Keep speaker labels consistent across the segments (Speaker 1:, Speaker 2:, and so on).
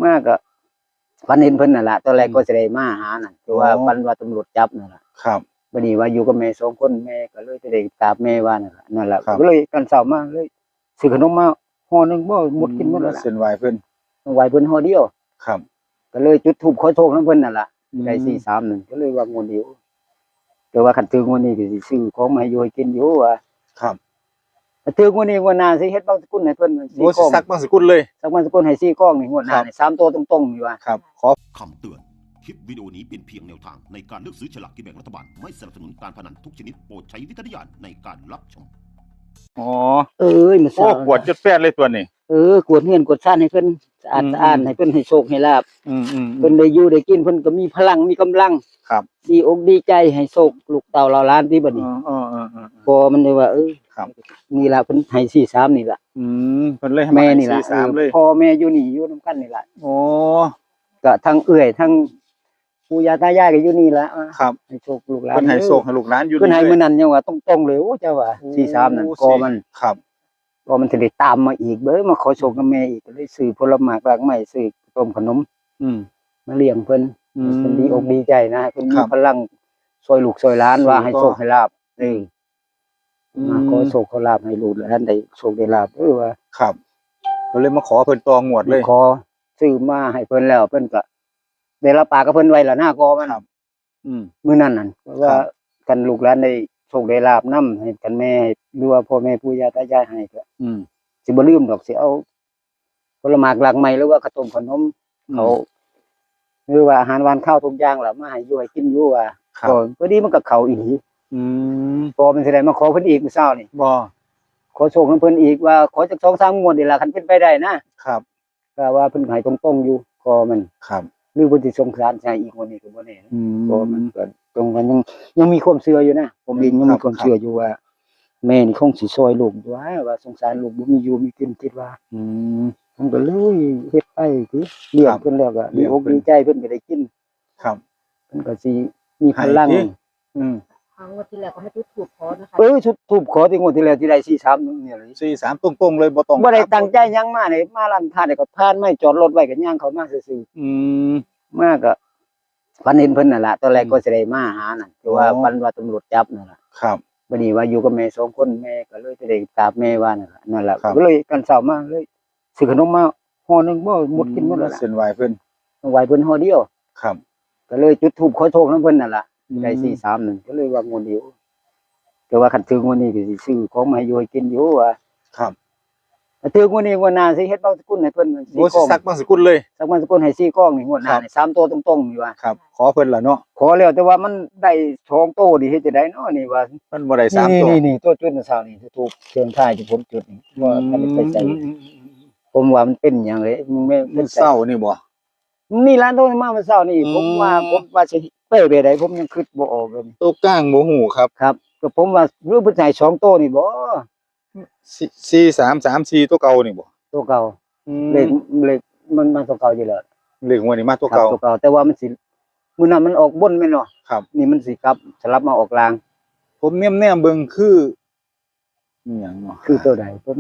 Speaker 1: มากก็ฝันเห็นเพิ่นนั่นแหละตอนแรกก็จะได้มาหานั่นคือว่าฝันว่าตำรวจจับนั่นแหละ
Speaker 2: ครับ
Speaker 1: บัดนี้ว่าอยู่กับแม่2คนแม่ก็เลยจะได้ตามแม่ว่านั่นแหละก็เลยตอนเช้ามาเลยซื้อขนมมาห่อนึงบ่หมดกินหมดแล้วล่ะ
Speaker 2: เส้นไหวเพิ่น
Speaker 1: ไหวเพิ่นห่อเดียว
Speaker 2: ครับ
Speaker 1: ก็เลยจุดธูปขอโชคนำเพิ่นนั่นล่ะได้431ก็เลยว่างวดเดียวแต่ว่าคันถึงงวดนี้ก็สิซื้อของมาให้อยู่ให้กินอยู่ว่า
Speaker 2: ครับ
Speaker 1: ถึงงวดนี้งวดหน้าสิเฮ็ดบางสกุลให้เพิ่น
Speaker 2: 4กล่องสักบางสกุลเลย
Speaker 1: สักบางสกุลให้4กล่องนี่งวดหน้านี่3ตัวตรงๆนี่ว่า
Speaker 2: ครับขอ
Speaker 3: คำเตือนคลิปวิดีโอนี้เป็นเพียงแนวทางในการเลือกซื้อฉลากกินแบ่งรัฐบาลไม่สนับสนุนการพนันทุกชนิดโปรดใช้วิจารณญาณในการรับชม
Speaker 2: อ๋อ
Speaker 1: มัน
Speaker 2: โอ้กวดจุดแปดเลยตัวนี้
Speaker 1: กวดเงินกวดซ่านให้เพิ่นสะอาดสะอ้านให้เพิ่นให้โชคให้ลาภเพิ่นได้อยู่ได้กินเพิ่นก็มีพลังมีกำลัง
Speaker 2: ครับ
Speaker 1: ดีอกดีใจให้โชคลูกเต่าเหล่าล้านที่บัดนี้พอมันได้ว่า
Speaker 2: ครับ
Speaker 1: นี่ล่ะเพิ่นให้43นี่ล่ะ
Speaker 2: เพิ่นเลยให้
Speaker 1: แม่นี่ล่ะ
Speaker 2: 43เลย
Speaker 1: พ่อแม่อยู่นี่อยู่นำกันนี่ล่ะ
Speaker 2: อ๋อ
Speaker 1: ก็ทั้งเอื้อยทั้งปู่ย่าตายายก็อยู่นี่ล่ะ
Speaker 2: ครับ
Speaker 1: ให้โชคลูกหลาน
Speaker 2: เพิ่นให้โชคให้ลูกหลานอยู่
Speaker 1: เพิ่นให้มื้อนั้นยังว่าตรงๆเลยโอ้เจ้าว่า43นั่นก็มัน
Speaker 2: ครับ
Speaker 1: ก็มันสิได้ตามมาอีกเบ้อมาขอโชคกับแม่อีกก็เลยซื้อผลไม้รากไม้ซื้อต้มขนมมาเลี้ยงเพิ่นเพิ่นดีอกดีใจนะเพิ่นมีพลังช่วยลูกช่วยหลานว่าให้โชคให้ลาภมาขอโชคขอลาภให้ลูกหลานได้โชคได้ลาภว่า
Speaker 2: ครับก็เลยมาขอเพิ่นตองวดเลย
Speaker 1: ขอซื้อมาให้เพิ่นแล้วเพิ่นก็ได้รับปากกับเพิ่นไว้แล้วหน้ากอมันมื้อนั้นนั่นว่ากันลูกหลานได้โชคได้ลาภนำให้กันแม่หรือว่าพ่อแม่ปู่ย่าตายายให้ก็สิบ่ลืมดอกสิเอาผลไม้รากไม้หรือว่าข้าวต้มขนมเขาหรือว่าอาหารหวานข้าวทุกอย่างล่ะมาให้อยู่ให้กินอยู่ว่าก็พอดีมันก็เข้าอีหลีพอมันสิได้มาขอเพิ่นอีกมื้อเช้านี่
Speaker 2: บ่
Speaker 1: ขอโชคนำเพิ่นอีกว่าขอจัก 2-3 งวดนี่ล่ะคันเป็นไปได้นะครับก็ว่าเพิ่นให้ตรงๆอยู่ก็มัน
Speaker 2: ครับ
Speaker 1: หรือเพิ่นสิสงสารใช้อีกงวดนี้ก็บ่แน่ก็มันก็ตรงกันยังมีความเชื่ออยู่นะผมเองยังมีความเชื่ออยู่ว่าแม่นี่คงสิช่วยลูกว่าสงสารลูกบ่มีอยู่มีกินคิดว่าผมก็เลยเฮ็ดไปคือเลี้ยงเพิ่นแล้วก็ดีอกดีใจเพิ่นก็ได้กิน
Speaker 2: ครับ
Speaker 1: เพิ่นก็สิมีพลัง
Speaker 4: ครั้งวันที่แล้วก็ไม่จุดธูปขอนะคะ
Speaker 1: ชุดธูปขอที่งวดที่แล้วที่ได้43เนี่ยเลย
Speaker 2: 43ตรงๆเลยบ่ต้อง
Speaker 1: บ่ได้ตั้งใจหยังมานี่มาร้านค้านี่ก็ผ่านไม่จอดรถไว้ก็ย่างเข้ามาซื่อๆมาก็ฝันเห็นเพิ่นนั่นล่ะตอนแรกก็สิได้มาหานั่นคือว่าฝันว่าตำรวจจับนั่นล่ะ
Speaker 2: ครับ
Speaker 1: บัดนี้ว่าอยู่กับแม่2คนแม่ก็เลยจะได้ตามแม่ว่านั่นล่ะก็เลยตอนเช้ามาเลยซื้อขนมมาห่อนึงบ่หมดกินหมดแล้วล่ะ
Speaker 2: เส้นไหวเพิ่น
Speaker 1: ไหวเพิ่นห่อเดียว
Speaker 2: ครับ
Speaker 1: ก็เลยจุดธูปขอโชคนำเพิ่นนั่นล่ะได้431ก็เลยว่างวดเดียวแต่ว่าคันถึงงวดนี้ก็สิซื้อของมาให้อยู่ให้กินอยู่ว่า
Speaker 2: ครับ
Speaker 1: ถึงงวดนี้งวดหน้าสิเฮ็ดบางสกุลให้เพิ่น
Speaker 2: 4กล่องสักบางสกุลเลย
Speaker 1: สักบางสกุลให้4กล่องนี่งวดหน้านี่3ตัวตรงๆนี่ว่า
Speaker 2: ครับขอเพิ่นล่ะเนาะ
Speaker 1: ขอแล้วแต่ว่ามันได้2โตนี่เฮ็ดจังได๋เนาะนี่ว่า
Speaker 2: มันบ่ได้3ตัว
Speaker 1: นี่ตัวจุดเมื่อเช้านี่ถูกเชิงท้ายที่ผมจุดนี่ว่ามันไปใส่ผมว่ามันเป็นหยังเลย
Speaker 2: มันเศร้านี่บ่
Speaker 1: นี่ร้านโตมาเมื่อเช้านี่ผมว่าสิไปได้ผมยังคิดบ่ออกเลย
Speaker 2: ตัวก้างบ่ฮู้ครับ
Speaker 1: ก็ผมว่าหรือเพิ่นให้2โตนี่บ่
Speaker 2: 4334ตัวเก่านี่บ่
Speaker 1: ตัวเก่าเลขมันมาตัวเก่าอยู่แล้ว
Speaker 2: เลขงวดนี้มาตัวเก่า
Speaker 1: แต่ว่ามันสิมื้อนั้นมันออกบนแม่นเนาะ
Speaker 2: ครับ
Speaker 1: นี่มันสิกลับสลับมาออกล่าง
Speaker 2: ผมแนมๆเบิ่งคืออีหยังเนาะ
Speaker 1: คือตัวใดผม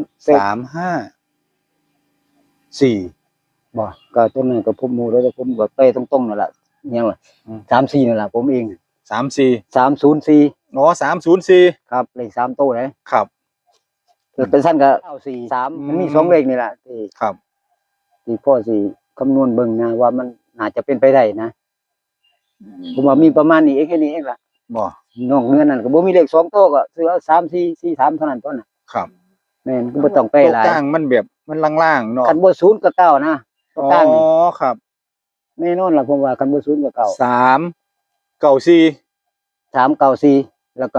Speaker 2: 354
Speaker 1: บ่ก็ตัวนั้นก็ผมรู้แล้วแต่ผมก็เป้ตรงๆนั่นล่ะยังว่า34นั่นล่ะผมเอง
Speaker 2: 34
Speaker 1: 304
Speaker 2: อ๋อ304
Speaker 1: ครับเลข3ตัวเลย
Speaker 2: ครับ
Speaker 1: เป็นสั้นก็943มันมี2เลขนี่ล่ะที่
Speaker 2: ครับ
Speaker 1: ที่พ่อสิคำนวณเบิ่งนะว่ามันน่าจะเป็นไปได้นะผมว่ามีประมาณนี้แค่นี้เองล่ะ
Speaker 2: บ่
Speaker 1: นอกเหนือนั้นก็บ่มีเลข2ตัวก็ซื้อเอา3443เท่านั้นต้นน่ะ
Speaker 2: ครับ
Speaker 1: แม่นก็บ่ต้องไปหลาย
Speaker 2: ตัวกลางมันแบบมันล่างๆเนาะ
Speaker 1: คันบ่0ก็9นะตัวกลาง
Speaker 2: อ๋อครับ
Speaker 1: แน่นอนล่ะผมว่าคันบ่0ก็9 394แล้วก็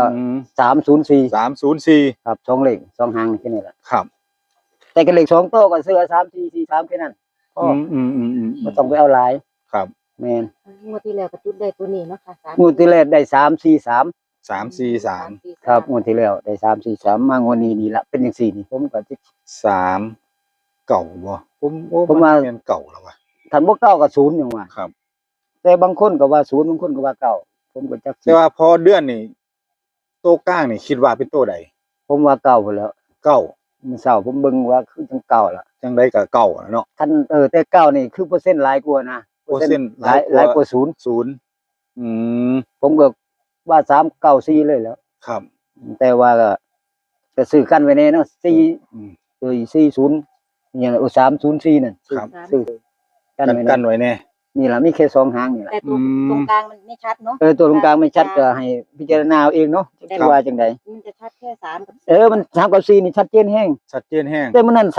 Speaker 1: 304ครับ2เลข2หางแค่นี้ล่ะ
Speaker 2: ครับ
Speaker 1: แต่ก็เลข2ตัวก็ซื้อเอา3443แค่นั้นบ่ต้องไปเอาหลาย
Speaker 2: ครับ
Speaker 1: แม่น
Speaker 4: งวดที่แล้วก็จุดได้ตัวนี้เนาะค่ะ
Speaker 1: งวดที่แล้วได้343ครับงวดที่แล้วได้343มางวดนี้นี่ล่ะเป็นจังซี่นี่ผมก็
Speaker 2: 3เก่าบ่ผมว่าแม่นเก่าแล้วว่ะ
Speaker 1: คันบ่เก่าก็0จังว่า
Speaker 2: ครับ
Speaker 1: แต่บางคนก็ว่า0บางคนก็ว่าเก่าผมก็จัก
Speaker 2: แต่ว่าพอเดือนนี่ตัวกลางนี่คิดว่าเป็นตัวใด
Speaker 1: ผมว่าเก่าพุ่นแล้ว
Speaker 2: เก่า
Speaker 1: มื้อเช้าผมเบิ่งว่าคือจังเก่าล่ะ
Speaker 2: จังไดก็เก่าอะเนาะ
Speaker 1: คันแต่เก่านี่คือเปอร์เซ็นต์หลายกว่านะ
Speaker 2: เปอร์เซ็นต์
Speaker 1: หลายกว่าศูนย์
Speaker 2: ศูนย์อืม
Speaker 1: ผมก็ว่า394เลยแล้ว
Speaker 2: ครับ
Speaker 1: แต่ว่าก็ซื้อกันไว้แน่เนาะ4
Speaker 2: อืม
Speaker 1: 40อย่าง304นั่น
Speaker 2: ครับ
Speaker 1: ซื้อกันไว้
Speaker 2: กั
Speaker 1: แน่
Speaker 2: นไว้แน่
Speaker 1: นี่ล่ะมีแค่2หางนี่ล่ะ
Speaker 4: แต่ตรงกลางมันไม่ชัดเนาะ
Speaker 1: ตัวตรงกลางไม่ชัดก็ให้พิจารณาเอาเองเนาะจะว่าจังได
Speaker 4: มันจะชัดแค่3 กับ
Speaker 1: มัน3กับ4นี่ชัดเจนแฮง
Speaker 2: ชัดเจนแห้ง
Speaker 1: แต่มันนั่น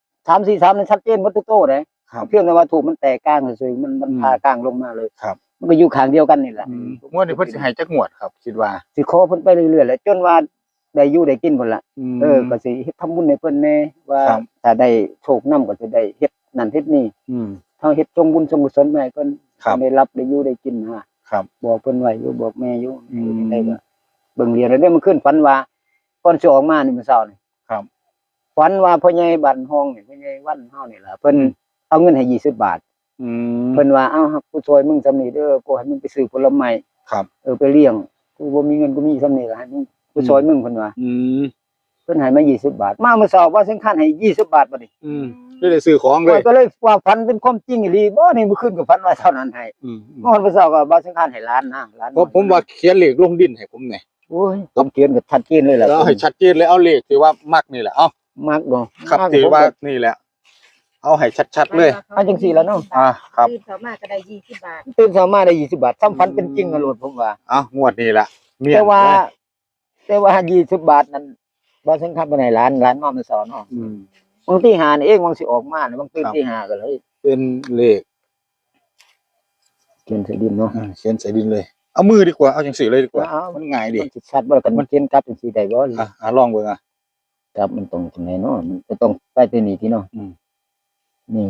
Speaker 1: 3 4 3นั่นชัดเจนหมดทุกโตเลย
Speaker 2: ครับ
Speaker 1: เพียงแต่ว่าถูกมันแตกกลางเฉยๆมันพากลางลงมาเลย
Speaker 2: ครับ
Speaker 1: มันก็อยู่ข้างเดียวกันนี่แหละ
Speaker 2: งวดนี้เพิ่นสิให้จักงวดครับ คิดว่า
Speaker 1: สิขอเพิ่นไปเรื่อยๆแหละจนว่าได้อยู่ได้กินพุ่นล่ะก็สิเฮ็ดทำบุญให้เพิ่นแน่ว่า
Speaker 2: ครับ
Speaker 1: ถ้าได้โชคนำก็สิได้เฮ็ดนั่นเฮ็ดนี่
Speaker 2: อืม
Speaker 1: เฮาเฮ็ดจงบุญจงกุศลไปให้เพิ่น
Speaker 2: ครับ
Speaker 1: ได้รับได้อยู่ได้กินนะครับ บอกเพิ่นไว้อยู่บอกแม่อยู่
Speaker 2: อืม
Speaker 1: ได้ก็เบิ่งเรียนแล้วได้มันขึ้นฝันว่าก่อนสิออกมานี่มื้อเช้านี่
Speaker 2: ครับ
Speaker 1: ฝันว่าพ่อใหญ่บ้านห้องนี่พ่อใหญ่วันเฮานี่ล่ะเพิ่นเอาเงินให้20 บาท
Speaker 2: อืม
Speaker 1: เพิ่นว่าเอ้ากูช่วยมึงซำนี้เด้อกูให้มึงไปซื้อผลไม้
Speaker 2: ครับ
Speaker 1: ไปเลี้ยงกูบ่มีเงินกูมีซำนี้ล่ะให้มึงกูช่วยมึงเพิ่นว่า
Speaker 2: อืม
Speaker 1: เพิ่นให้มา20 บาทมาเมื่อเช้าว่าสำคัญให้20 บาทบัดนี้
Speaker 2: อืมได้ซื้อของเลย
Speaker 1: ก็เลยว่าฝันเป็นความจริงอีหลีบ่นี่เมื่อคืนก็ฝันว่าเท่านั้นให้
Speaker 2: อืม
Speaker 1: เมื่อวันเสาร์ก็บ่สำคัญให้ล้านนะล้าน
Speaker 2: เพราะผมว่าเขียนเลขลงดินให้ผมแหน่
Speaker 1: โอ้ยผมเขียนก็ชัดเจนเลยล่ะ
Speaker 2: แล้วให้ชัดเจนเลยเอาเลขที่ว่ามักนี่แหละเอา
Speaker 1: มักบ่
Speaker 2: ครับ
Speaker 1: มัก
Speaker 2: ที่
Speaker 1: ผม
Speaker 2: ว่า
Speaker 1: ก็
Speaker 2: นี่แหละ เอาให้ชัดๆเลย
Speaker 1: เอาจังซี่ล่ะเนาะ
Speaker 2: ครับ
Speaker 4: ตื่นเช้ามาก็ได้20 บาท
Speaker 1: ตื่นเช้ามาได้20 บาทซ้ำฝันเป็นจริงกันโลดผมว่า
Speaker 2: เอางวดนี้ล่ะเมียน
Speaker 1: แต่ว่า20 บาทนั้นบ่สำคัญปานใดล้านมาเมื่อเช้าเนาะ
Speaker 2: อืม
Speaker 1: บางทีหานี่เองบางสิออกมาบางตื่น
Speaker 2: ครับ
Speaker 1: ที่หาก็เลย
Speaker 2: เป็นเลข
Speaker 1: เขียนใส่ดินเนาะ
Speaker 2: เขียนใส่ดินเลย เอามือดีกว่าเอาจังสีเลยดีกว่า
Speaker 1: เอามั
Speaker 2: มันง่ายดี
Speaker 1: มันสิชัดบ่กันมันเขียนกลับจังซี่ได้บ่
Speaker 2: ลองเบิ่งอ่ะ
Speaker 1: กลับมันตรงจังไดเนาะมันจะต้องไปที่นี่ที่เนาะ
Speaker 2: อืม
Speaker 1: นี่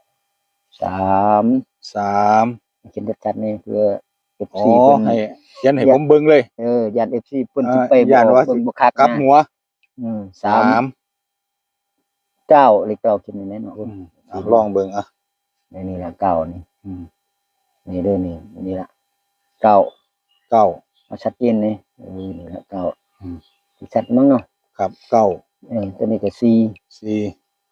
Speaker 1: 3
Speaker 2: 3
Speaker 1: เขียนชัดๆนี่เพื่อ
Speaker 2: อ๋อ
Speaker 1: FC เพิ่น
Speaker 2: ให้เขียนให้ผมเบิ่งเลย
Speaker 1: ญาติ FC เพิ่นสิไป
Speaker 2: ญาติว่า
Speaker 1: เพิ่นบ่คัก
Speaker 2: กลับ
Speaker 1: นะ
Speaker 2: หัว
Speaker 1: 3 9เลข9เขียนไว้เนาะ
Speaker 2: ลองเบิ่งอ่ะ
Speaker 1: นี่ล่ะ9นี่
Speaker 2: อืม
Speaker 1: นี่เด้อนี่ล่ะ9
Speaker 2: 9
Speaker 1: เอาชัดเจนนี่นี่ล่ะ
Speaker 2: อืม
Speaker 1: 9สิชัดมั้งเนาะ
Speaker 2: ครับ9
Speaker 1: ตัวนี้ก็4
Speaker 2: 4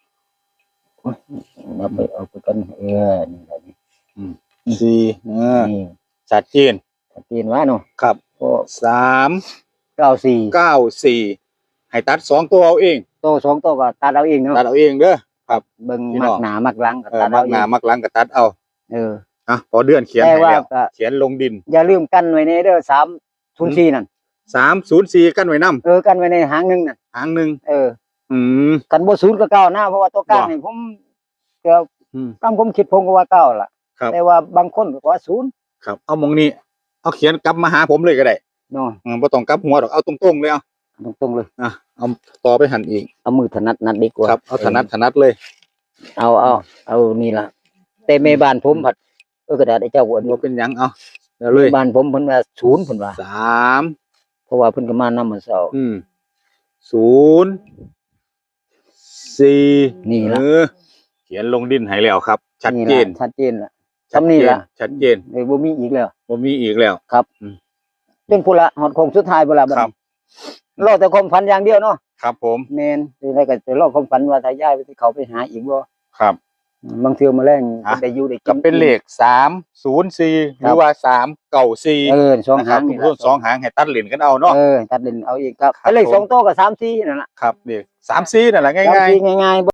Speaker 1: เอาไปกันนี่ล่ะนี่
Speaker 2: 4
Speaker 1: นี่
Speaker 2: ชัดเจน
Speaker 1: ชัดเจนว่าเนาะ
Speaker 2: ครับ
Speaker 1: ก็
Speaker 2: 3
Speaker 1: 94
Speaker 2: 94ให้ตัด2ตัวเอาเอง
Speaker 1: โต2โตก็ตัดเอาเองเนาะ
Speaker 2: ตัดเอาเองเด้อ
Speaker 1: เบิ่ง
Speaker 2: พี่น้
Speaker 1: มั
Speaker 2: อก ง
Speaker 1: หน้ามักหลังก็ตัด
Speaker 2: มั
Speaker 1: เอา
Speaker 2: ก
Speaker 1: เอ
Speaker 2: หน้าง มักหลังก็ตัดเอา พอเดือนเขียน
Speaker 1: แต่
Speaker 2: ให้
Speaker 1: ว่า
Speaker 2: แล้ว
Speaker 1: ก็
Speaker 2: เขียนลงดิน
Speaker 1: อย่าลืมกันไว้ในเด้อ304นั่น
Speaker 2: 304กันไว้นำ
Speaker 1: กันไว้ในหางหนึงน่ะ
Speaker 2: หางหนึง อืม
Speaker 1: กันบ่0ก็9นะเพราะว่าตัวกลางนี่ผมก็
Speaker 2: อืม
Speaker 1: ตามผมคิดผมก็ว่า9ล่ะ
Speaker 2: ครับ
Speaker 1: แต่ว่าบางคนก็ว่า0
Speaker 2: ครับเอาหมองนี้เอาเขียนกลับมาหาผมเลยก็ได้
Speaker 1: เนาะ
Speaker 2: บ่ต้องกลับหัวดอกเอาตรงๆเลยเอา
Speaker 1: ตรงๆเลย
Speaker 2: เอาต่อไปหันอีก
Speaker 1: เอามือถนัดนัดดีกว่า
Speaker 2: ครับเอาถนัดเลย
Speaker 1: เอานี่ล่ะแต่แม่บ้านผมผัดกระดาษไอ้เจ้าอ้วน
Speaker 2: บ่เป็นหยังเอาแล้วเลย
Speaker 1: บ้านผมเพิ่นว่า0เพิ่นว่า
Speaker 2: 3
Speaker 1: เพราะว่าเพิ่นก็มานำมื้อเช้า
Speaker 2: 0
Speaker 1: นี่ล่ะ
Speaker 2: เขียนลงดินให้แล้วครับ ชัดเจน
Speaker 1: ชัดเจนล่ะทำนี่ล่ะ
Speaker 2: ชัดเจน
Speaker 1: บ่มีอีกแล้ว
Speaker 2: บ่มีอีกแล้ว
Speaker 1: จนพุ่นละฮอดโค้งสุดท้ายพุ่นละบัด
Speaker 2: ครับ
Speaker 1: นี้รอแต่ความฝันอย่างเดียวเนาะ
Speaker 2: ครับผม
Speaker 1: แม่นสิได้ก็จะรอความฝันว่าถ้าย้ายไปที่เขาไปหาอีกบ่
Speaker 2: ครับ
Speaker 1: บางเทื่อมาแรง
Speaker 2: อ่ะ
Speaker 1: ได้อยู่ได้กิน
Speaker 2: ก็เป็นเลข304หรือว่า394
Speaker 1: สอง
Speaker 2: นะค
Speaker 1: หา
Speaker 2: รับ
Speaker 1: งนี่
Speaker 2: รวม2หางให้ตัดเหรียญกันเอาเนาะ
Speaker 1: ตัดเล่นเอาอีกครับ
Speaker 2: ครับ
Speaker 1: เลข
Speaker 2: ผม
Speaker 1: 2โต๊ะก็3 4นั่นล่ะ
Speaker 2: ครับเลข34นั่นแหละง่ายๆ
Speaker 1: 3 4ง่ายๆ